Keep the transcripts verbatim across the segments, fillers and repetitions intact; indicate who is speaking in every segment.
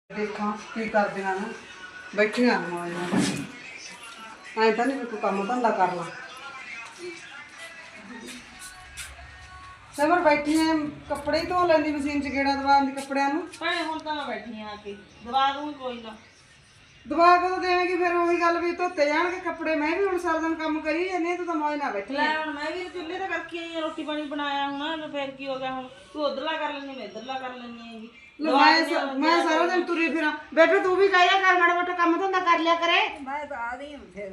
Speaker 1: देखा की करदियां ने बैठियां ने मौज नाल ऐ तां नहीं कोई काम धंधा करना समर बैठी है कपड़े धो लैंदी मशीन च गेड़ा दवा दी कपड़ियां नूं
Speaker 2: भैणे हुण तां मैं बैठी हाँ आके दवा दूँ कोई ना
Speaker 1: दवा कदों देवेंगी फिर वही गल भी धोते जाणगे कपड़े मैं भी हुण सारा दिन काम करी जानी तू तां मौज नाल बैठी
Speaker 2: ले
Speaker 1: है
Speaker 2: हुण मैं भी चुੱਲ੍ਹੇ ਤੇ करके आई हाँ रोटी पानी बनाया हुण तो फिर की हो गया हुण तू उधरला कर लैनी मैं इधरला कर लैनी हैगी
Speaker 1: ले मैं मैं सारा दिन तुरी फिरां बेटे तू भी कह कर माड़ा मोटा काम धंधा कर लिया करे
Speaker 3: मैं तो आ रही हूँ फिर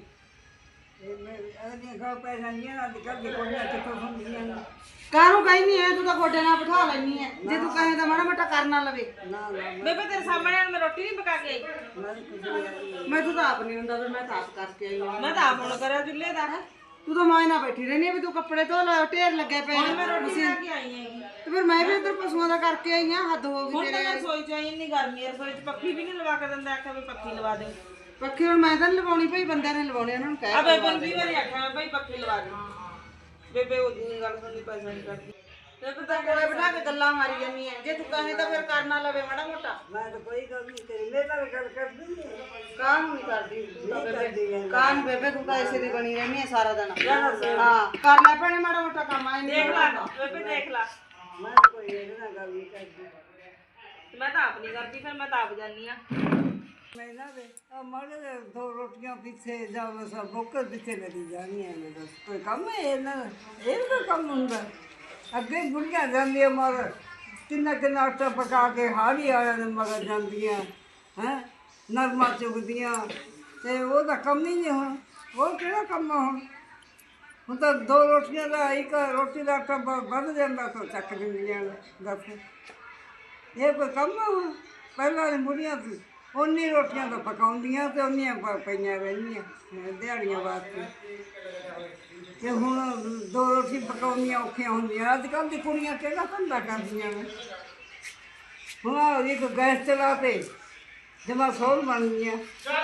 Speaker 3: घर पैसा नहीं है ना दिक्कत भी कोई नहीं तो सुन ना
Speaker 1: काहू कहनी है तू तो गोडे नाल बिठा लैनी है जे तू कहे तो माड़ा मोटा करना लवे
Speaker 3: ना ना
Speaker 2: बेबे तेरे सामने मैं रोटी नहीं पका के आई
Speaker 3: मैं कुछ नहीं आ रही
Speaker 1: मैं तू तो आप नहीं हुंदा फिर मैं तो आप करके आई हूं
Speaker 2: मैं तो आप हुण करा चुੱਲ੍ਹੇ ਦਾ
Speaker 1: तू तो मौज नाल बैठी रहनी है भी तू कपड़े धो ला ढेर लगे पे
Speaker 2: ਹੁਣ ਮੈਂ ਰੋਟੀ ਬਣਾ ਕੇ ਆਈ ਹੈਗੀ
Speaker 1: तो फिर मैं भी इधर पशुओं का करके आई हां हद हो
Speaker 2: ਹੁਣ
Speaker 1: गई
Speaker 2: ਤਾਂ
Speaker 1: तेरे
Speaker 2: ਮੈਂ ਰਸੋਈ ਚ ਆਈ ਇੰਨੀ ਗਰਮੀ ਹੈ ਰਸੋਈ ਚ ਪੱਖੀ ਵੀ ਨਹੀਂ ਲਵਾ ਕੇ ਦਿੰਦਾ ਆਖਿਆ ਵੀ ਪੱਖੀ ਲਵਾ ਦੇ
Speaker 1: पक्की हुण मैं तो लवाउणी पई बंदे ने लवाउणी उन्होंने कह
Speaker 2: ਆ ਬੇਬੇ ਨੂੰ ਵੀ ਵਾਰੀ ਆਖਿਆ ਮੈਂ ਭਾਈ ਪੱਖੀ ਲਵਾ ਦੇ ਬੇਬੇ ਉਹ ਜੀ ਗੱਲ ਸੁਣਨੀ ਪੈਸਾ ਨਹੀਂ ਕਰਦੀ
Speaker 1: ਤੇ ਤੂੰ ਤਾਂ ਕੋਲੇ ਬਿਠਾ ਕੇ ਗੱਲਾਂ ਮਾਰੀ ਜਾਨੀ ਹੈ ਜੇ तू कहे तो फिर करना लवे माड़ा मोटा
Speaker 3: मैं तो कोई गल नहीं करी मेरे नाल गल कर दी
Speaker 1: काम नहीं करती तू तो
Speaker 3: नहीं करती
Speaker 1: बेबे
Speaker 3: है
Speaker 1: काम बेबे तू तो ऐसे दी बनी रहनी है सारा दिन हां कर ले भैणे माड़ा मोटा काम आई
Speaker 2: ਦੇਖ ਲਾ ਬੇਬੇ ਦੇਖ ਲਾ
Speaker 3: मैं तो कोई मेरे नाल गल नहीं करती
Speaker 2: ਮੈਂ ਤਾਂ ਆਪ ਨਹੀਂ ਕਰਦੀ ਫਿਰ ਮੈਂ ਤਾਂ ਆਪ ਜਾਨੀ ਆ
Speaker 3: मैं ना दे अब मरे दे दो रोटियां पीछे जाओ सब बोकर पीछे लगी जानी है मेरा कोई काम है ये ना ये भी कोई काम हुंदा अगे बुढ़ियां जांदियां मर किन्ना किन्ना आटा पका के हाड़ी वाले ने मगर जांदियां हैं नरमा चुगदियां ते वो दा कम ही नहीं हुण वो केड़ा काम है हुण ਹੁਣ ਤਾਂ ਦੋ ਰੋਟੀਆਂ ਦਾ ਇੱਕ ਰੋਟੀ ਦਾ ਆਟਾ ਵੱਧ ਜਾਂਦਾ ਤਾਂ ਚੱਕ ਦਿੰਦੀਆਂ ਦੱਸ ਇਹ ਕੋਈ ਕੰਮ ਆ ਹੁਣ ਪਹਿਲਾਂ ਵਾਲੀ ਬੁੜੀਆਂ ਸੀ ਉਨੀ ਰੋਟੀਆਂ ਤਾਂ ਪਕਾਉਂਦੀਆਂ ਤੇ ਉਨੀਆਂ ਪ- ਪਈਆਂ ਰਹਿੰਦੀਆਂ ਅਹ ਦਿਹਾੜੀਆਂ ਵਾਸਤੇ ਤੇ ਹੁਣ ਦੋ ਰੋਟੀ ਪਕਾਉਣੀਆਂ ਔਖੀਆਂ ਹੁੰਦੀਆਂ ਅੱਜ ਕੱਲ੍ਹ ਦੀ ਕੁੜੀਆਂ ਕਿਹੜਾ ਧੰਦਾ ਕਰਦੀਆਂ ਨੇ ਹੁਣ ਆਹ ਇੱਕ ਗੈਸ ਚਲਾ ਤੇ ਜਮਾ ਸੌਲ ਬਣ ਗਈਆਂ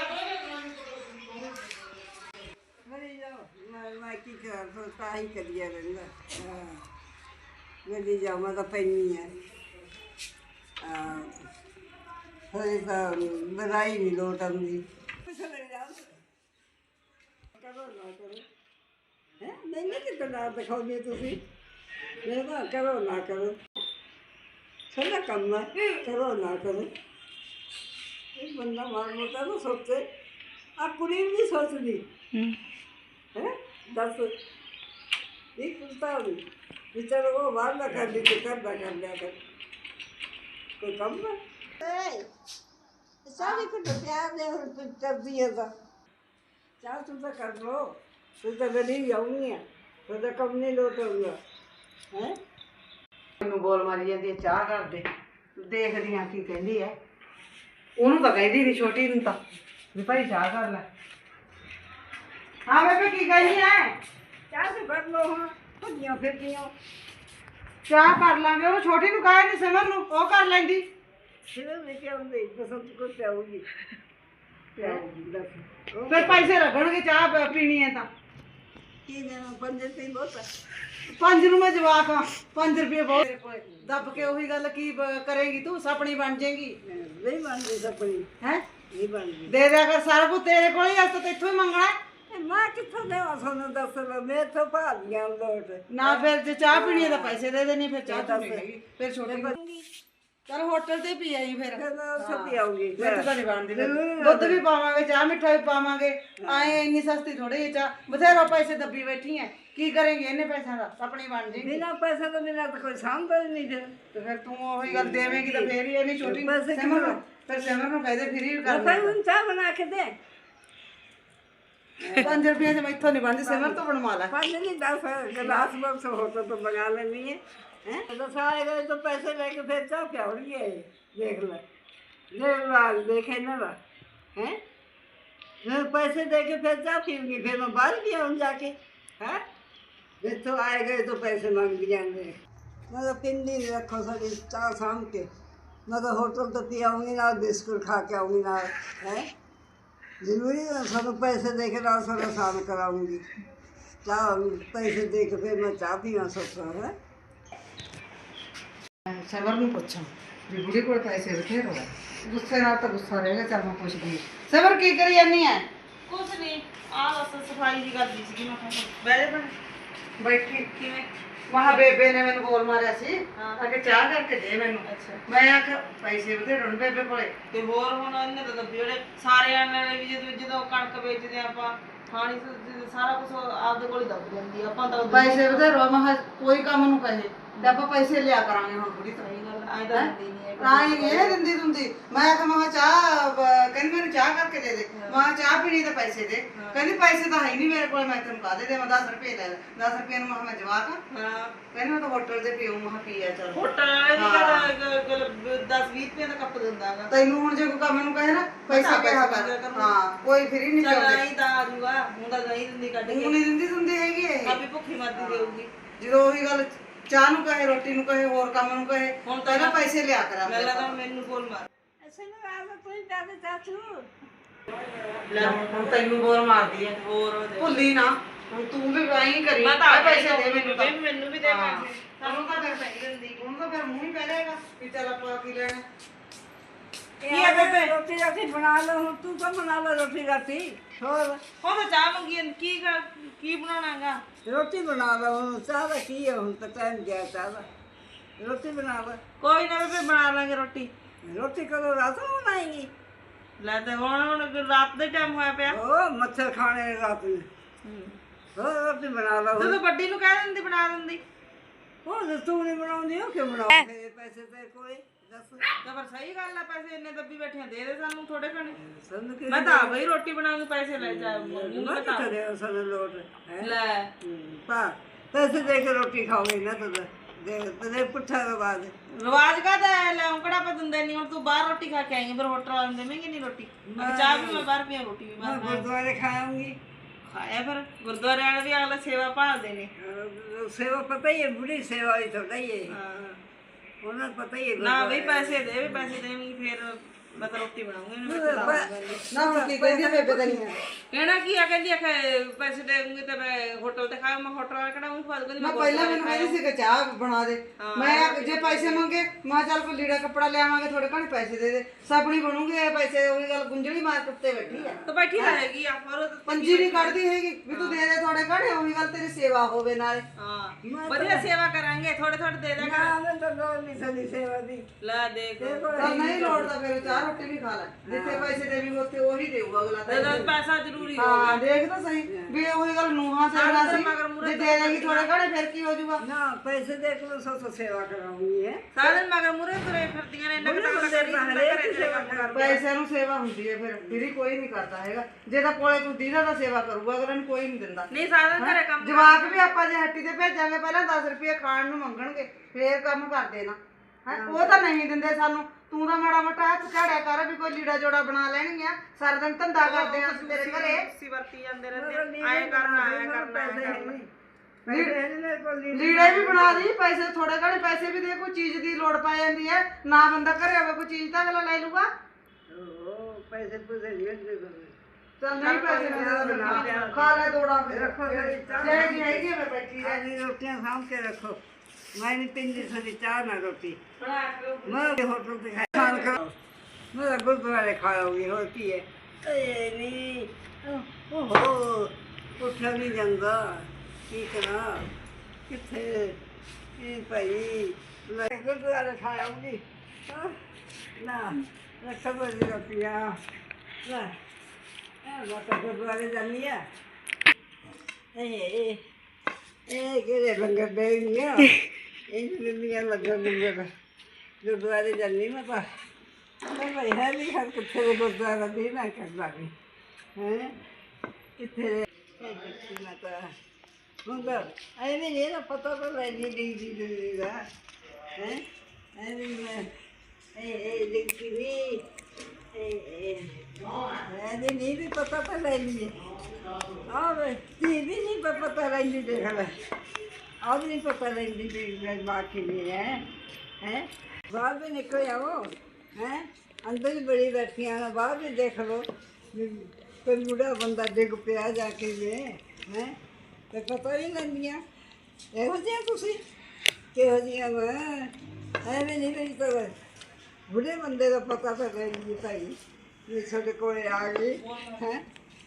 Speaker 3: ਮੇਰੀ ਜਾਓ ਮੈਂ ਮੈਂ ਕੀ ਕਰਾਂ ਫਿਰ ਤਾਂ ਹੀ ਕਰੀਆ ਰਹਿੰਦਾ ਹਾਂ ਮੇਰੀ ਜਾਓ ਮੈਂ ਤਾਂ ਪੈਣੀ ਹੈ ਹੋਏ ਤਾਂ ਬਰਾਈ ਨਹੀਂ ਲੋਟ ਆਉਂਦੀ ਕਰੋ ਨਾ ਕਰੋ ਹੈ ਨਹੀਂ ਕਿ ਨਾ ਦਿਖਾਉਂਦੇ ਤੁਸੀਂ ਮੈਂ ਤਾਂ ਕਰੋ ਨਾ ਕਰੋ ਸਾਡਾ ਕੰਮ ਹੈ ਕਰੋ ਨਾ ਕਰੋ ਇਹ ਬੰਦਾ ਮਾਰ ਮੋਟਾ ਨਾ ਸੋਚੇ ਆ ਕੁੜੀ ਵੀ ਨਹੀਂ ਸੋਚਦੀ ਹੈ ਦੱਸ ਇਹ ਕੁਲਤਾ ਨਹੀਂ ਵਿਚਾਰਾ ਉਹ ਬਾਹਰ ਨਾ ਕਰ ਲਈ ਤੇ ਕਰਦਾ ਕਰ ਲਿਆ ਕਰ ਕੋਈ ਕੰਮ ਹੈ Ei, sabe quando piove eu vida? Já tu tá carro, tu tá vendo a unha, tu tá comendo outra unha, हैं?
Speaker 1: ਮੈਨੂੰ ਬੋਲ ਮਾਰੀ ਜਾਂਦੀ ਹੈ ਚਾਹ ਕਰ ਦੇ ਦੇਖਦੀਆਂ ਕੀ ਕਹਿੰਦੀ ਹੈ ਉਹਨੂੰ ਤਾਂ ਕਹਿੰਦੀ ਨਹੀਂ ਛੋਟੀ ਨੂੰ ਤਾਂ ਵੀ ਭਾਈ ਚਾਹ ਕਰ ਲੈ ਹਾਂ ਬੇਬੇ ਕੀ ਕਹਿੰਦੀ ਹੈ
Speaker 3: चाह तो कर लो हाँ, भजियां फिरदियां,
Speaker 1: ਚਾਹ ਕਰ ਲਾਂਗੇ ਉਹ ਛੋਟੀ ਨੂੰ ਕਹੇ ਨਹੀਂ ਸਿਮਰ ਨੂੰ ਉਹ ਕਰ ਲੈਂਦੀ
Speaker 3: फिर लेके आऊंगी, बसंत को प्याऊंगी, प्याऊंगी दस।
Speaker 1: ਫਿਰ ਪੈਸੇ ਲੱਗਣਗੇ ਚਾਹ ਪ- ਪੀਣੀ ਹੈ ਤਾਂ
Speaker 3: की देना पंजे से बहुत है,
Speaker 1: ਪੰਜ ਨੂੰ ਮੈਂ ਜਵਾਕ ਆ ਪੰਜ ਰੁਪਏ ਬਹੁਤ ਦੱਬ ਕੇ ਉਹੀ ਗੱਲ ਕੀ ਬ- ਕਰੇਂਗੀ ਤੂੰ ਸਪਣੀ ਬਣ ਜਾਏਗੀ
Speaker 3: नहीं बन गई सपनी,
Speaker 1: ਹੈ
Speaker 3: नहीं बन गई।
Speaker 1: ਦੇ ਦਿਆ ਕਰ ਸਾਰਾ ਕੁਝ ਤੇਰੇ ਕੋਲ ਹੀ ਅਸ ਤਾਂ ਇੱਥੋਂ ਹੀ ਮੰਗਣਾ ਹੈ।
Speaker 3: मैं कितों देवा सोनू दस मैं तो भालियां लोट
Speaker 1: ਨਾ ਫਿਰ ਜੇ ਚਾਹ ਪੀਣੀ ਹੈ ਤਾਂ ਪੈਸੇ ਦੇ ਦੇਣੀ ਫਿਰ ਚਾਹ ਤਾਂ ਨਹੀਂ ਹੈਗੀ ਫਿਰ ਛੋਟੀ ਚਲ ਹੋਟਲ ਤੇ ਪੀ ਆਈ ਫਿਰ
Speaker 3: फिर मैं उससे पियाऊंगी
Speaker 1: ਮਿੱਠ ਤਾਂ ਨਹੀਂ ਬਣਦੀ ਫਿਰ। ਦੁੱਧ ਵੀ ਪਾਵਾਂਗੇ ਚਾਹ ਮਿੱਠਾ ਵੀ ਪਾਵਾਂਗੇ ਆਏ ਇੰਨੀ ਸਸਤੀ ਥੋੜੀ ਜਿਹੀ ਚਾਹ ਬਥੇਰੋ ਪੈਸੇ ਦੱਬੀ ਬੈਠੀ ਐ ਕੀ ਕਰੇਂਗੇ ਇਹਨੇ ਪੈਸਿਆਂ ਦਾ ਆਪਣੀ ਬਣ ਜੀ
Speaker 3: बिना पैसे तो बिना तो कोई सामता ही नहीं फिर
Speaker 1: ਤੇ ਫਿਰ ਤੂੰ ਉਹੀ ਗੱਲ ਦੇਵੇਂਗੀ ਤਾਂ ਫੇਰ ਹੀ ਇਹਨੀ ਛੋਟੀ
Speaker 3: ਪੈਸੇ
Speaker 1: ਸਿਮਰ ਨੂੰ ਫਿਰ ਸਿਮਰ ਨੂੰ ਕਹਦੇ ਫਿਰ ਹੀ ਕਰ
Speaker 3: भाई उन चाह बना के दे
Speaker 1: ਪੰਜ ਰੁਪਏ ਚ ਮੈਥੋਂ ਨਹੀਂ ਬਣਦੀ ਸਿਮਰ ਤੋਂ ਬਣਵਾ ਲੈ
Speaker 3: पाँच नहीं दस गिलास बक्स होता तो बना लेनी है हैं दस आए गए तो पैसे लेके फिर चाह क्या हो रही है देख ले देख ला देखे ना ला हैं मैं पैसे दे के फिर चाह पीऊंगी फिर मैं बाहर भी आऊँ जाके हैं फिर तो आए गए तो पैसे मांग दिया मैं तो तीन दिन रखो सारी चाह शाम के मैं तो होटल तो पी आऊँगी ना बिस्कुट खा के आऊँगी ना हैं जरूरी है सब पैसे दे के रात सारा शाम कराऊंगी चाह पैसे दे के फिर मैं चाह पीना सोच रहा है
Speaker 1: ਸਿਮਰ ਨੂੰ ਪੁੱਛਾਂ ਵੀ ਬੁੜੀ ਕੋਲ ਪੈਸੇ ਬਥੇਰੇ ਆ। ਗੁੱਸੇ ਨਾਲ ਤਾਂ ਗੁੱਸਾ ਰਹੇਗਾ। ਚੱਲ ਮੈਂ ਪੁੱਛਦੀ ਹਾਂ। ਸਬਰ ਕੀ ਕਰੀ ਜਾਂਦੀ ਐ?
Speaker 2: ਕੁਛ ਨਹੀਂ, ਆ ਬਸ ਸਫਾਈ ਜੀ ਕਰਦੀ ਸੀਗੀ। ਮੈਂ ਕਿਹਾ ਬਹਿ ਜਾ ਭੈਣੇ।
Speaker 1: ਬੈਠੀ
Speaker 2: ਕਿਵੇਂ?
Speaker 1: ਮਹਾ ਬੇਬੇ ਨੇ ਮੈਨੂੰ ਬੋਲ ਮਾਰਿਆ ਸੀ
Speaker 2: ਹਾਂ।
Speaker 1: ਆ ਕਿ ਚਾਹ ਕਰਕੇ ਦੇ ਮੈਨੂੰ।
Speaker 2: ਅੱਛਾ।
Speaker 1: ਮੈਂ ਆਖਿਆ ਪੈਸੇ ਬਥੇਰੇ ਹੁਣ ਬੇਬੇ ਕੋਲੇ।
Speaker 2: ਤੇ ਹੋਰ ਹੁਣ ਇਹਨੇ ਤਾਂ ਦੱਬੀ ਉਹਨੇ ਸਾਰਿਆਂ ਨੇ ਵੀ ਜਦੋਂ ਜਦੋਂ ਕਣਕ ਵੇਚਦੇ ਆਪਾਂ ਖਾਣੀ ਸ- ਸਾਰਾ ਕੁਝ ਆਪਦੇ ਕੋਲ ਹੀ ਦੱਬ ਜਾਂਦੀ ਆ। ਆਪਾਂ ਤਾਂ ਉਦੋਂ-
Speaker 1: ਪੈਸੇ ਬਥੇਰੇ ਮਹਾ ਕੋਈ ਕੰਮ ਨੂੰ ਕਹੇ ਤੇ ਆਪਾਂ ਪੈਸੇ ਲਿਆ ਕਰਾਂਗੇ ਹੁਣ ਬੁੜੀ ਤੋਂ।
Speaker 2: ਸਹੀ ਗੱਲ ਐ ਤਾਂ ਦਿੰਦੀ ਨਹੀਂ ਹੈ
Speaker 1: ਤਾਂ ਹੀ ਇਹ ਦਿੰਦੀ ਦੁੰਦੀ। ਮੈਂ ਆਖਿਆ ਮੈਂ ਚਾਹ ਬ- ਕਹਿੰਦੀ ਮੈਨੂੰ ਚਾਹ ਕਰਕੇ ਦੇ ਦੇ। ਮੈਂ ਕਿਹਾ ਚਾਹ ਪੀਣੀ ਤਾਂ ਪੈਸੇ ਦੇ। ਕਹਿੰਦੀ ਪੈਸੇ ਤਾਂ ਹੈ ਨਹੀਂ ਮੇਰੇ ਕੋਲ, ਮੈਂ ਤੈਨੂੰ ਕਾਹਦੇ ਦੇਵਾਂ? ਦਸ ਰੁਪਏ ਲੈ ਲੈ। ਦਸ ਰੁਪਏ ਨੂੰ ਮੈਂ ਕਿਹਾ ਮੈਂ ਜਵਾਕ ਆ।
Speaker 2: ਹਾਂ।
Speaker 1: ਕਹਿੰਦੀ ਮੈਂ ਤਾਂ ਹੋਟਲ ਤੇ ਪੀਉ। ਮੈਂ ਕਿਹਾ ਪੀ ਆ ਚੱਲ।
Speaker 2: ਹੋਟਲ ਵਾਲੇ ਵੀ ਗੱਲ ਦਸ ਵੀਹ ਰੁਪਏ ਦਾ ਕੱਪ ਦਿੰਦਾ ਗਾ।
Speaker 1: ਤੈਨੂੰ ਹੁਣ ਜੇ ਕੋਈ ਕੰਮ ਨੂੰ ਕਹੇ ਨਾ ਪੈਸੇ ਕਿਹਾ ਕਰ। ਹਾਂ ਕੋਈ ਫਰੀ ਨਹੀਂ
Speaker 2: ਚੱਲ
Speaker 1: ਚਾਹੁੰਦੇ।
Speaker 2: ਨਹੀਂ ਤਾਂ ਆ ਜੂਗਾ ਹੁਣ ਤਾਂ ਨਹੀਂ ਦਿੰਦੀ ਕੱਢ
Speaker 1: ਉਹ
Speaker 2: ਕੇ।
Speaker 1: ਨਹੀਂ ਦਿੰਦੀ ਦਿੰਦੀ ਹੈਗੀ ਇਹ।
Speaker 2: ਆਪੀ ਭੁੱਖੀ ਮਰਦੀ ਦੇਊਗੀ।
Speaker 1: ਜਦੋਂ ਉਹੀ ਗੱਲ ਚਾਹ ਨੂੰ ਕਹੇ, ਰੋਟੀ ਨੂੰ ਕਹੇ, ਹੋਰ ਕੰਮ ਨੂੰ ਕਹੇ,
Speaker 2: ਹੁਣ ਤਾਂ
Speaker 1: ਪਹਿਲਾਂ ਪੈਸੇ ਲਿਆ ਕਰਾਂ।
Speaker 2: ਮੈਂ ਲੱਗਦਾ ਮੈਨੂੰ ਬੋਲ ਮਾਰ।
Speaker 3: ਐਸੇ ਨੂੰ ਆਵਾ ਕੋਈ ਦਾਦੇ ਚਾਚੂ
Speaker 1: ਲੈ ਹੁਣ ਹੁਣ ਤੈਨੂੰ ਬੋਲ ਮਾਰਦੀ ਐ।
Speaker 2: ਹੋਰ ਹੋ ਜਾਏ।
Speaker 1: ਭੁੱਲੀ ਨਾ ਹੁਣ ਤੂੰ ਵੀ ਐਂ ਕਰੀ।
Speaker 2: ਮੈਂ ਤਾਂ
Speaker 1: ਆ ਪੈਸੇ ਦੇ ਮੈਨੂੰ ਤਾਂ।
Speaker 2: ਮੈਨੂੰ ਵੀ ਦੇ
Speaker 1: ਹਾਂ।
Speaker 2: ਪੈਸੇ।
Speaker 1: ਸਾਨੂੰ ਤਾਂ ਫਿਰ ਪੈ ਜਾਂਦੀ। ਹੁਣ ਤਾਂ ਫਿਰ ਮੂੰਹ ਹੀ ਪੈ ਜਾਏਗਾ ਵੀ ਚੱਲ ਆਪਾਂ ਕੀ ਲੈਣਾ।
Speaker 2: ਕੀ ਆ ਬੇਬੇ?
Speaker 3: ਰੋਟੀ ਰਾਟੀ ਬਣਾ ਲਓ ਹੁਣ। ਤੂੰ ਤਾਂ ਬਣਾ ਲੈ ਰੋਟੀ ਰਾਟੀ। ਹੋਰ
Speaker 2: ਉਹ ਤਾਂ ਚਾਹ ਮੰਗੀ ਜਾਂਦੀ। ਕੀ ਕਰ ਕੀ ਬਣਾਉਣਾਗਾ?
Speaker 3: ਰੋਟੀ ਬਣਾ ਲਓ ਹੁਣ। ਚਾਹ ਦਾ ਕੀ ਹੈ ਹੁਣ ਤਾਂ ਟਾਈਮ ਗਿਆ ਚਾਹ ਦਾ। ਰੋਟੀ ਬਣਾ ਲੈ।
Speaker 2: ਕੋਈ ਨਾ ਬੇਬੇ ਬਣਾ ਲਾਂਗੇ ਰੋਟੀ।
Speaker 3: ਰੋਟੀ ਕਦੋਂ ਰਾਤ ਨੂੰ ਬਣਾਏਗੀ?
Speaker 2: ਲੈ ਤੇ ਹੁਣ ਹੁਣ ਰਾਤ ਦੇ ਟਾਈਮ ਹੋਇਆ ਪਿਆ।
Speaker 3: ਉਹ ਮੱਛਰ ਖਾਣੇ ਰਾਤ ਨੂੰ। ਹੋਰ ਰੋਟੀ ਬਣਾ ਲਓ ਹੁਣ।
Speaker 2: ਜਦੋਂ ਵੱਡੀ ਨੂੰ ਕਹਿ ਦਿੰਦੀ ਬਣਾ ਦਿੰਦੀ।
Speaker 3: ਉਹ ਜੇ ਤੂੰ ਨਹੀਂ ਬਣਾਉਂਦੀ ਉਹ ਕਿਉਂ ਬਣਾਉਂਦੀ? ਪੈਸੇ ਤੇ ਕੋਈ ਦੱਸ।
Speaker 2: ਤਾਂ ਫਿਰ ਸਹੀ ਗੱਲ ਆ। ਪੈਸੇ ਇੰਨੇ ਦੱਬੀ ਬੈਠੇ ਆ, ਦੇ ਦੇ ਸਾਨੂੰ ਥੋੜੇ ਘਣੇ।
Speaker 3: ਸਾਨੂੰ ਕੀ
Speaker 2: ਮੈਂ ਤਾਂ ਬਈ ਰੋਟੀ ਬਣਾਉਣ ਨੂੰ ਪੈਸੇ ਲੈ ਜਾ ਮੂੰਹ
Speaker 3: ਮੈਂ
Speaker 2: ਬਤਾ
Speaker 3: ਕਿੱਥੇ ਦੇ ਸਾਨੂੰ ਲੋਟ ਹੈ।
Speaker 2: ਲੈ।
Speaker 3: ਪਾ ਪੈਸੇ ਦੇ ਕੇ ਰੋਟੀ ਖਾਓਗੇ ਨਾ ਤਦ ਦੇ ਤੇ ਪੁੱਠਾ ਰਵਾਜ।
Speaker 2: ਰਿਵਾਜ ਕਾਹਦਾ ਲੈ ਉਂਕੜਾ ਪਾ ਦਿੰਦੇ ਨਹੀਂ। ਹੁਣ ਤੂੰ ਬਾਹਰ ਰੋਟੀ ਖਾ ਕੇ ਆਏਂਗੀ ਫਿਰ ਹੋਟਲ ਵਾਲੇ ਦੇਵੇਂਗੇ ਨਹੀਂ ਰੋਟੀ। ਮੈਂ ਚਾਹ ਵੀ ਮੈਂ ਬਾਹਰ ਪੀਆਂ ਰੋਟੀ ਵੀ
Speaker 3: ਮੈਂ
Speaker 2: ਬਾਹਰ
Speaker 3: ਗੁਰਦੁਆਰੇ ਖਾਉਂਗੀ।
Speaker 2: ਖਾਇਆ ਫਿਰ ਗੁਰਦੁਆਰੇ ਵਾਲੇ ਵੀ ਅਗਲਾ ਸੇਵਾ ਭਾਲਦੇ ਨੇ।
Speaker 3: ਸੇਵਾ ਪਤਾ ਹੀ ਹੈ ਬੁੜੀ ਸੇਵਾ ਹੀ ਥੋੜਾ ਹੀ ਹੈ।
Speaker 2: ਹਾਂ।
Speaker 3: ਉਹਨਾਂ ਨੂੰ ਪਤਾ ਹੀ ਹੈ
Speaker 2: ਨਾ ਬਈ ਪੈਸੇ ਦੇ ਵੀ ਪੈਸੇ ਦੇਵੇਂਗੀ ਫਿਰ ਮੈਂ ਤਾਂ ਰੋਟੀ ਬਣਾਉਂਗੀ।
Speaker 1: ਨਾ ਹੁਣ ਕੀ ਕਹਿੰਦੀ ਆ ਬੇਬੇ ਤੈਨੂੰ?
Speaker 2: ਕਹਿਣਾ ਕੀ ਆ? ਕਹਿੰਦੀ ਆ ਕਿ ਪੈਸੇ ਦੇਉਂਗੀ ਤੇ ਮੈਂ ਹੋਟਲ ਤੇ ਖਾਇਆ। ਮੈਂ ਹੋਟਲ ਵਾਲਾ ਕਿਹੜਾ ਉਹ ਫਾਦ ਕਹਿੰਦੀ
Speaker 1: ਮੈਂ ਪਹਿਲਾਂ ਮੈਨੂੰ ਕਹਿੰਦੀ ਸੀ ਕਿ ਚਾਹ ਬਣਾ ਦੇ। ਮੈਂ ਆਖ- ਜੇ ਪੈਸੇ ਮੰਗੇ ਮੈਂ ਕਿਹਾ ਚੱਲ ਕੋਈ ਲੀੜਾ ਕੱਪੜਾ ਲਿਆਵਾਂਗੇ ਥੋੜੇ ਘਣੇ ਪੈਸੇ ਦੇ ਦੇ। ਸਪਣੀ ਬਣੂਗੀ ਇਹ ਪੈਸੇ। ਉਹੀ ਗੱਲ ਗੁੰਝਲੀ ਮਾਰ ਕੁੱਤੇ ਬੈਠੀ ਆ।
Speaker 2: ਤਾਂ ਬੈਠੀ ਰਹੇਗੀ ਆ ਹੋਰ ਤਾਂ-
Speaker 1: ਪੰਜੀ ਨਹੀਂ ਕੱਢਦੀ ਹੈਗੀ ਵੀ ਤੂੰ ਦੇ ਦੇ ਥੋੜੇ ਘਣੇ। ਉਹੀ ਗੱਲ ਤੇਰੀ ਸੇਵਾ ਹੋਵੇ ਨਾਲੇ।
Speaker 2: ਹਾਂ ਵਧੀਆ ਸੇਵਾ ਕਰਾਂਗੇ। ਥੋੜੇ ਥੋੜੇ ਦੇ ਦਿਆ ਕਰ।
Speaker 3: ਨਾ ਮੈਂ ਤਾਂ ਲੋੜ ਨਹੀਂ ਸਾਡੀ ਸੇਵਾ ਦੀ।
Speaker 2: ਲੈ ਦੇਖ
Speaker 1: ਚੱਲ ਨਹੀਂ ਲੋੜ ਤਾਂ ਫਿਰ ਚਾਹ ਰੋਟੀ ਵੀ ਖਾ ਲੈ। ਜਿੱਥੇ ਪੈਸੇ ਦੇਵੀਂ ਉੱਥੇ ਉਹੀ ਦੇਊਗਾ ਅਗਲਾ ਤਾਂ।
Speaker 2: ਤੇ ਪੈਸਾ ਜ਼ਰੂਰੀ ਹੋ
Speaker 1: ਹਾਂ ਦੇਖ ਤਾਂ ਸਹੀ ਵੀ ਉਹੀ ਗੱਲ ਨੂੰਹਾਂ ਸੇਵਾ ਸੀ। ਜੇ ਦੇ ਦੇਗੀ ਥੋੜੇ ਘਣੇ ਫਿਰ ਕੀ ਹੋ ਜਾਊਗਾ?
Speaker 3: ਨਾ ਪੈਸੇ ਦੇ ਕੇ ਸੋ ਸੋ ਸੇਵਾ ਕਰਾਉਂਗੀ ਹੈ।
Speaker 2: ਸਾਰੇ ਮਗਰ ਮੁਰੇ ਤੁਰੇ ਫਿਰਦੀਆਂ ਨੇ। ਇੰਨਾ ਕਿ ਤਾਂ ਬੰਦੇ ਨਹੀਂ ਹੁੰਦਾ ਘਰੇ ਤੇਰੇ ਕੰਮ ਕਰ।
Speaker 1: ਪੈਸੇ ਨੂੰ ਸੇਵਾ ਹੁੰਦੀ ਹੈ ਫਿਰ ਫਿਰ ਹੀ ਕੋਈ ਨਹੀਂ ਕਰਦਾ ਹੈਗਾ। ਜੇ ਤਾਂ ਕੋਲੇ ਕੋਈ ਦੀਦਾ ਤਾਂ ਸੇਵਾ ਕਰੂਗਾ ਅਗਲੇ ਨੂੰ ਕੋਈ ਨਹੀਂ ਦਿੰਦਾ।
Speaker 2: ਨਹੀਂ ਸਾਰੇ ਘਰੇ ਕੰਮ
Speaker 1: ਜਵਾਕ ਵੀ ਆਪਾਂ ਜੇ ਹੱਟੀ ਤੇ ਭੇਜਾਂਗੇ ਪਹਿਲਾਂ ਦਸ ਰੁਪਏ ਖਾਣ ਨੂੰ ਮੰਗਣਗੇ ਫੇਰ ਕੰਮ ਕਰਦੇ ਨਾ ਹੈ। ਉਹ ਤਾਂ ਨਹੀਂ ਦਿੰਦੇ ਸਾਨੂੰ। ਤੂੰ ਤਾਂ ਮਾੜਾ ਮੋਟਾ ਹੱਥ ਝਾੜਿਆ ਕਰ ਵੀ ਕੋਈ ਲੀੜਾ ਜੋੜਾ ਬਣਾ ਲੈਣਗੀਆਂ। ਸਾਰਾ ਦਿਨ ਧੰਦਾ ਕਰਦੇ ਆ ਤੇਰੇ ਘਰੇ।
Speaker 2: ਸੀ ਵਰਤੀ ਜਾਂਦੇ ਰਹਿੰਦੇ ਆਏ ਕਰਨਾ ਆਏ ਕਰਨਾ ਆਏ ਕਰਨਾ।
Speaker 1: ਲੀੜੇ ਵੀ ਬਣਾ ਦੀ। ਪੈਸੇ ਥੋੜੇ ਘਣੇ ਪੈਸੇ ਵੀ ਦੇ। ਕੋਈ ਚੀਜ਼ ਦੀ ਲੋੜ ਪੈ ਜਾਂਦੀ ਹੈ ਨਾ ਬੰਦਾ ਘਰੇ ਹੋਵੇ ਕੋਈ ਚੀਜ਼ ਤਾਂ ਅਗਲਾ ਲੈ ਲੂਗਾ।
Speaker 3: ਉਹ ਪੈਸੇ ਪੂਸੇ ਨਹੀਂ ਦੇ ਦੋ।
Speaker 1: ਚੱਲ ਨਹੀਂ ਪੈਸੇ ਨਾ ਖਾ ਲੈ ਦੋੜਾ ਫਿਰ ਰੱਖੋ ਜੇ ਜੀ ਹੈਗੀ ਮੈਂ ਬੈਠੀ ਰਹਿ।
Speaker 3: ਸਾਡੀ ਰੋਟੀਆਂ ਸਾਂਭ ਕੇ ਰੱਖੋ। ਮੈਂ ਨਹੀਂ ਪੀਂਦੀ ਸਾਡੀ ਚਾਹ ਨਾ ਰੋਟੀ।
Speaker 2: ਬਣਾ ਕੇ
Speaker 3: ਮੈਂ ਹੋਟਲ ਤੇ ਖਾਣ ਕਰਾਂ। ਮੈਂ ਗੁਰਦੁਆਰੇ ਖਾਓਗੀ ਹੋਰ ਕੀ ਹੈ? ਏ ਨਹੀਂ ਓਹੋ ਉੱਠਿਆ ਨਹੀਂ ਜਾਂਦਾ। ਕੀ ਕਰਾਂ ਕਿੱਥੇ ਇਹ ਭਾਈ ਮੈਂ ਗੁਰਦੁਆਰੇ ਖਾਉਂਗੀ ਨਾ ਰੱਖੋ ਬੜੀ ਰੋਟੀਆਂ ਲੈ ਇਹ ਲੋਕ ਗੁਰਦੁਆਰੇ ਜਾਂਦੀ ਆ। ਇਹ ਇਹ ਕਿਹੜੇ ਲੰਗਰ ਦੇਣੀਆਂ ਇਹ ਦਿੰਦੀਆਂ ਲੰਗਰ ਲੰਗਰ ਗੁਰਦੁਆਰੇ ਜਾਂਦੀ ਮੈਂ ਤਾਂ ਮੈਂ ਭਾਈ ਹੈ ਨਹੀਂ ਹਰ ਕਿੱਥੇ ਦੇ ਗੁਰਦੁਆਰਾ ਦੇ ਨਾ ਕਰਦਾ ਵੀ ਹੈ ਕਿੱਥੇ ਇਹ ਦੇਖੀ ਮੈਂ ਤਾਂ ਹੁੰਦਾ ਐਵੇਂ ਨਹੀਂ ਨਾ ਪਤਾ ਤਾਂ ਲੈਣੀ ਦੀ ਦੀ ਦੀ ਦਾ ਹੈ ਐਵੇਂ ਮੈਂ ਇਹ ਇਹ ਦੇਖੀ ਨਹੀਂ ਇਹ ਇਹ ਨਹੀਂ ਵੀ ਪਤਾ ਤਾਂ ਲੈ ਲਈਏ। ਆਹ ਵੇ ਤੀ ਵੀ ਨਹੀਂ ਪਤਾ ਲੈਂਦੀ ਦੇਖ ਲੈ। ਆਹ ਵੀ ਨਹੀਂ ਪਤਾ ਲੈਂਦੀ ਵੀ ਬਾਕੀ ਨਹੀਂ ਹੈ ਹੈ। ਬਾਹਰ ਵੀ ਨਿਕਲ ਆਵੋ ਹੈ। ਅੰਦਰ ਹੀ ਬੜੀ ਬੈਠੀਆਂ ਨੇ। ਬਾਹਰ ਵੀ ਦੇਖ ਲਓ ਕੋਈ ਬੁੜਾ ਬੰਦਾ ਡਿੱਗ ਪਿਆ ਜਾ ਕੇ ਜੇ ਹੈ ਤੇ ਪਤਾ ਹੀ ਲੈਂਦੀਆਂ। ਇਹੋ ਜਿਹੀਆਂ ਤੁਸੀਂ ਕਿਹੋ ਜਿਹੀਆਂ ਵਾ ਐਵੇਂ ਨਹੀਂ ਲਈ ਤਾਂ ਬੁੜੇ ਬੰਦੇ ਦਾ ਪਤਾ ਤਾਂ ਲੈ ਲਈ ਭਾਈ ਵੀ ਸਾਡੇ ਕੋਲੇ ਆ ਗਏ ਹੈ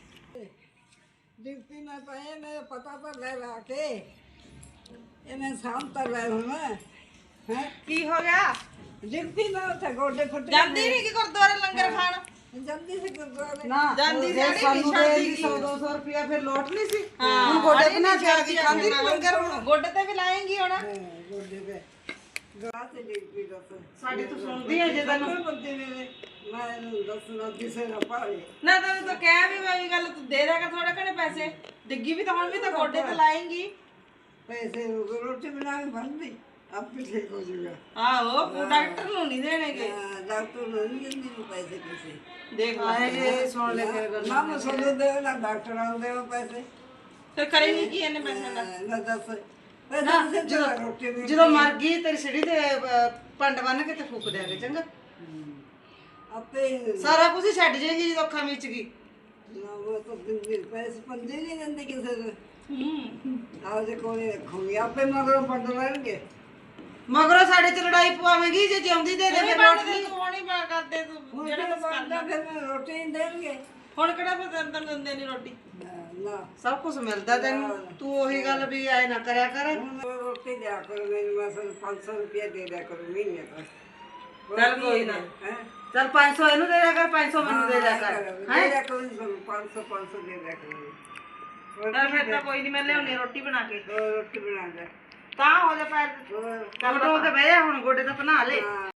Speaker 3: ਡਿਊਟੀ ਮੈਂ ਪਾਏ ਮੇਰਾ ਪਤਾ ਤਾਂ ਲੈ ਲਾ ਕੇ ਇਹਨੇ ਸ਼ਾਮ ਤੱਕ ਲੈ ਹੁਣ ਹੈ
Speaker 2: ਕੀ ਹੋ ਗਿਆ
Speaker 3: ਡਿਊਟੀ ਮੈਂ ਉੱਥੇ ਗੋਡੇ ਫੁੱਟ
Speaker 2: ਜਾਂਦੀ ਨਹੀਂ ਕਿ ਗੁਰਦੁਆਰੇ ਲੰਗਰ ਖਾਣ
Speaker 3: ਜਾਂਦੀ ਸੀ ਗੁਰਦੁਆਰੇ
Speaker 1: ਨਾ
Speaker 2: ਜਾਂਦੀ
Speaker 1: ਜੇ
Speaker 2: ਸੀ,
Speaker 1: ਸਾਨੂੰ
Speaker 2: ਛੱਡਦੀ
Speaker 1: ਦੇ ਦੀ
Speaker 2: ਸੀ।
Speaker 1: ਸੌ ਦੋ ਸੌ ਰੁਪਇਆ ਫਿਰ ਲੋਟ ਨਹੀਂ ਸੀ
Speaker 2: ਹਾਂ,
Speaker 1: ਹੁਣ ਗੋਡੇ
Speaker 2: ਅਰੇ
Speaker 1: ਬਣਾ
Speaker 2: ਨਹੀਂ
Speaker 1: ਕੇ ਆ ਕੇ ਖਾਂਦੀ ਨੀ ਲੰਗਰ ਹੁਣ
Speaker 2: ਗੋਡੇ ਤੇ ਵੀ ਲਾਏਂਗੀ ਹੁਣ
Speaker 3: ਹਾਂ, ਗੋਡੇ ਤੇ ਗਾਹ ਤੇ ਡਿਊਟੀ ਦਾ
Speaker 1: ਸਾਡੀ ਤੂੰ ਸੁਣਦੀ ਹੈ ਜੇ ਤੈਨੂੰ
Speaker 3: ਕੋਈ ਬੰਦੇ ਨੇ ਮੈਂ ਇਹਨੂੰ ਦੱਸਣਾ ਕਿਸੇ ਨਾ ਪਾਵੇ
Speaker 2: ਨਾ ਤੈਨੂੰ ਤਾਂ ਕਹਿ ਵੀ ਮੈਂ ਵੀ ਗੱਲ ਤੂੰ ਦੇ ਦੇਗਾ ਥੋੜੇ ਘਣੇ ਪੈਸੇ ਡਿੱਗੀ ਵੀ ਤਾਂ ਹੁਣ ਵੀ ਤਾਂ ਗੋਡੇ ਤੇ ਲਾਏਂਗੀ
Speaker 3: ਪੈਸੇ ਰੋਟੀ ਬਣਾ ਕੇ ਬੰਦੀ ਆਪੇ ਠੀਕ ਹੋ ਜਾਊਗਾ
Speaker 2: ਆਹੋ ਉਹ ਡਾਕਟਰ ਨੂੰ ਨਹੀਂ ਦੇਣਗੇ
Speaker 3: ਹਾਂ, ਡਾਕਟਰ ਨੂੰ ਨਹੀਂ ਦਿੰਦੀ ਨੂੰ ਪੈਸੇ ਕਿਸੇ
Speaker 2: ਦੇਖ ਲੈ
Speaker 1: ਆਏ ਸੁਣ ਲੈ ਮੇਰੇ ਗੱਲ
Speaker 3: ਨਾ ਮਸੂਦ ਦੇ ਨਾ ਡਾਕਟਰ ਆਉਂਦੇ ਉਹ ਪੈਸੇ
Speaker 2: ਫਿਰ ਕਰੇਂਗੀ ਕੀ ਇਹਨੇ ਪੈਸੇ ਦਾ
Speaker 3: ਨਾ ਦੱਸ ਮੈਂ ਦੱਸ ਜਦੋਂ ਰੋਟੀ ਵੀ
Speaker 1: ਜਦੋਂ ਮਰ ਗਈ ਤੇਰੀ ਸਿੜੀ ਤੇ ਅਹ, ਪੰਡ ਬੰਨ ਕੇ ਤੇ ਫੂਕ ਦਿਆਂਗੇ ਚੰਗਾ
Speaker 3: ਆਪੇ ਹੀ
Speaker 1: ਸਾਰਾ ਕੁਝ ਹੀ ਛੱਡ ਜਾਏਗੀ ਜਦੋਂ ਅੱਖਾਂ ਵਿੱਚ ਗਈ
Speaker 3: ਨਾ ਉਹ ਤਾਂ ਦਿੰਦੀ ਪੈਸੇ ਪੰਜੇ ਨਹੀਂ ਦਿੰਦੇ ਕਿਸੇ ਨੂੰ
Speaker 2: ਹੂੰ
Speaker 3: ਆਹ ਜੇ ਕੋਲੇ ਰੱਖੂਗੀ ਆਪੇ ਮਗਰੋਂ ਪੰਡ ਲੈਣਗੇ
Speaker 1: ਮਗਰੋਂ ਸਾਡੇ ਚ ਲੜਾਈ ਪਵਾਵੇਂਗੀ ਜੇ ਜਿਉਂਦੀ ਦੇ ਦੇ
Speaker 2: ਇਹ
Speaker 1: ਫਿਰ
Speaker 2: ਬਾਤ
Speaker 1: ਲੋਟ
Speaker 2: ਨਹੀਂ ਤੂੰ ਨਹੀਂ ਬਾ ਕਰਦੇ ਤੂੰ
Speaker 3: ਹੁਣ
Speaker 2: ਜਿਹੜਾ
Speaker 3: ਜਿਹੜਾ
Speaker 2: ਕੁਛ ਕਰਦਾ
Speaker 3: ਬਣਦਾ ਫਿਰ ਮੈਨੂੰ ਰੋਟੀ ਨਹੀਂ ਦੇਣਗੇ
Speaker 2: ਹੁਣ ਕਿਹੜਾ ਫਿਰ ਤੈਨੂੰ ਤੈਨੂੰ ਦਿੰਦੇ ਨਹੀਂ ਰੋਟੀ
Speaker 3: ਨਾ, ਨਾ
Speaker 1: ਸਭ ਕੁਝ ਮਿਲਦਾ ਤੈਨੂੰ ਤੂੰ ਉਹੀ ਗੱਲ ਵੀ ਐ ਨਾ ਕਰਿਆ ਕਰ
Speaker 3: ਹੁਣ ਮੈਂ ਰੋਟੀ ਦਿਆ ਕਰੋ ਮੈਨੂੰ ਮਸਲ ਪੰਜ ਸੌ ਰੁਪਇਆ ਦੇ ਦਿਆ ਕਰੋ ਮਹੀਨੇ ਦਾ
Speaker 1: ਚੱਲ ਕੋਈ ਨਾ
Speaker 3: ਹੈ
Speaker 1: ਚੱਲ ਪੰਜ ਸੌ ਇਹਨੂੰ ਦੇ ਦਿਆ ਕਰ ਪੰਜ ਸੌ ਮੈਨੂੰ ਦੇ ਦਿਆ ਕਰ
Speaker 3: ਦੇ ਦਿਆ ਕਰੋ ਪੰਜ ਸੌ ਪੰਜ ਸੌ ਦੇ ਦਿਆ ਕਰੋ
Speaker 2: ਚੱਲ ਫਿਰ ਤਾਂ ਕੋਈ ਨਹੀਂ ਮੈਂ ਲਿਆਉਣੀ ਰੋਟੀ ਬਣਾ ਕੇ
Speaker 3: ਹੋਰ ਰੋਟੀ ਬਣਾ ਦੇ
Speaker 2: ਤਾਂ ਹੋ ਜਾ ਪੈਰ
Speaker 3: ਹੋਰ
Speaker 1: ਕੱਲ ਤੋਂ ਤੇ ਬਹਿ ਜਾ ਹੁਣ ਗੋਡੇ ਤਾਂ ਬਣਾ ਲੈ
Speaker 3: ਹਾਂ